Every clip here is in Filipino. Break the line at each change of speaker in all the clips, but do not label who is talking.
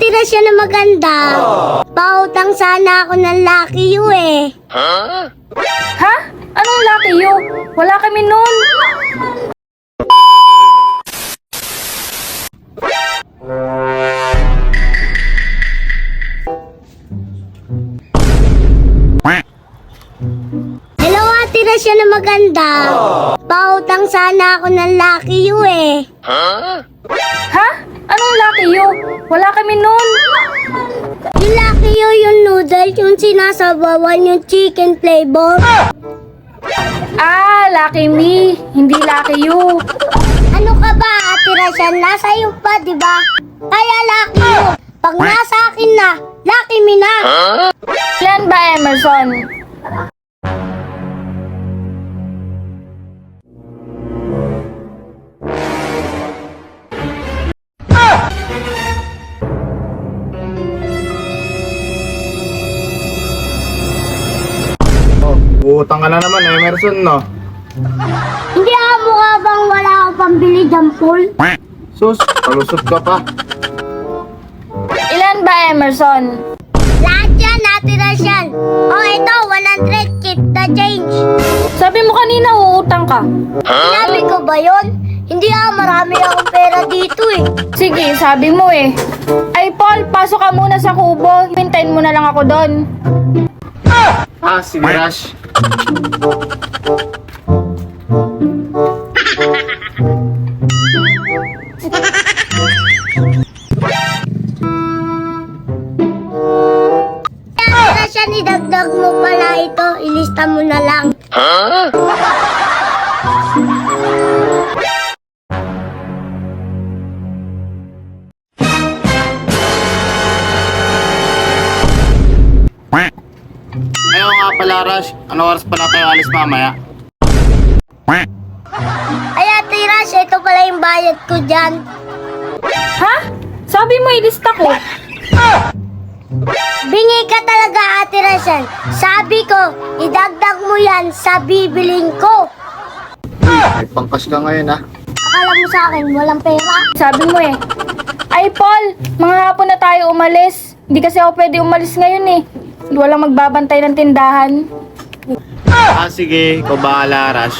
tira siya na maganda. Pautang sana ako ng Lucky You eh.
Ha? Anong Lucky You? Wala kami nun.
Hello, tira siya na maganda. Pautang sana ako ng Lucky You eh.
Ha? Anong Lucky You? Wala kami nun.
Yung Lucky You, yung noodle, yung sinasabawan, yung chicken flavor.
Ah, Lucky Me. Hindi Lucky You.
Ano ka ba, Ate Rashan? Nasa iyo pa, di ba? Kaya Lucky You. Pag nasa akin na, Lucky Me na.
Ilan ba, Emerson?
Utang ka na naman, Emerson, no?
Hindi mukha bang wala akong pambili dyan, Paul?
Sus, palusot ka pa.
Ilan ba, Emerson?
Lahat yan, Ate Rashan. Oh, ito, 100, keep the change.
Sabi mo kanina uutang ka.
Sinabi ko ba yun? Hindi marami akong pera dito eh.
Sige, sabi mo eh. Ay, Paul, pasok ka muna sa kubo. Hintayin mo na lang ako doon.
Sige, Rush.
Ate Rashan, idagdag mo pala ito. Ilista mo na lang.
Ayaw nga pala, Rush. Ano oras pala tayo alis mamaya?
Ay, Ate Rashan, ito pala yung bayad ko dyan.
Ha? Sabi mo ilista ko.
Bingi ka talaga, Ate Rashan. Sabi ko, idagdag mo yan sa bibiling ko.
May pangkas ka ngayon, ha?
Akala mo sa akin, walang pera?
Sabi mo eh. Ay, Paul, mga hapon na tayo umalis. Hindi kasi ako pwede umalis ngayon eh. Walang magbabantay ng tindahan.
Sige. Ikaw bahala, Rush.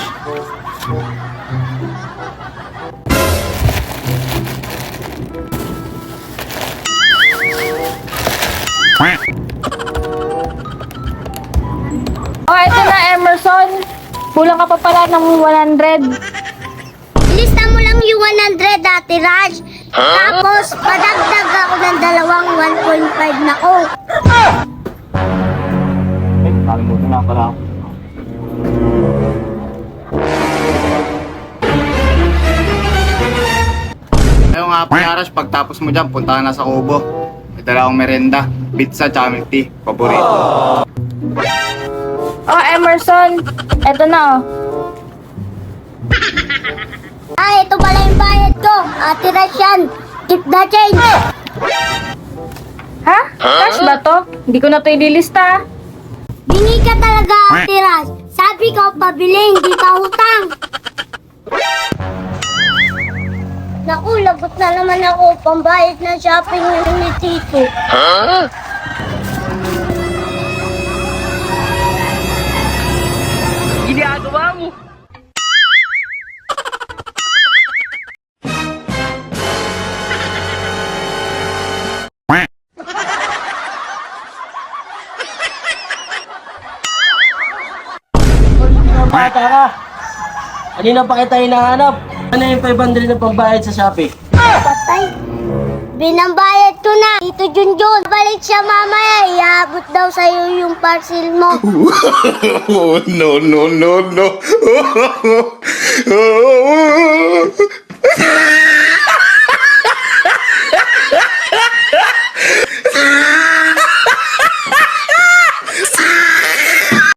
Oh, eto na, Emerson. Kulang ka pa pala ng 100.
Ilista mo lang yung 100, Ate Raj. Tapos, padagdag ako ng dalawang 1.5 na ko.
Kalimutan na pala ako. Ayaw nga pala, Rush. Pagtapos mo dyan, punta ka na sa kubo. May dala akong merenda. Pizza, tsaka milk tea. Paborito.
Oh, Emerson. Eto na oh.
Ito pala yung bayad ko. Ate Raj yan. Keep the change.
Ha? Cash ba to? Hindi ko na to ililista.
Bingi ka talaga, Ate Raj. Sabi ko, pabili, hindi pa utang. Naku, lagot na naman ako. Pambayad ng shopping ni Tito.
Ginagawa mo.
Bata ka! Kanina pa kita hinahanap. Ano yung 500 na pambayad sa Shopee?
Patay. Binambayad ko na. Tito Junjun, balik siya mamaya. Iabot daw sa'yo yung parcel mo.
Oh, no, no, no, no.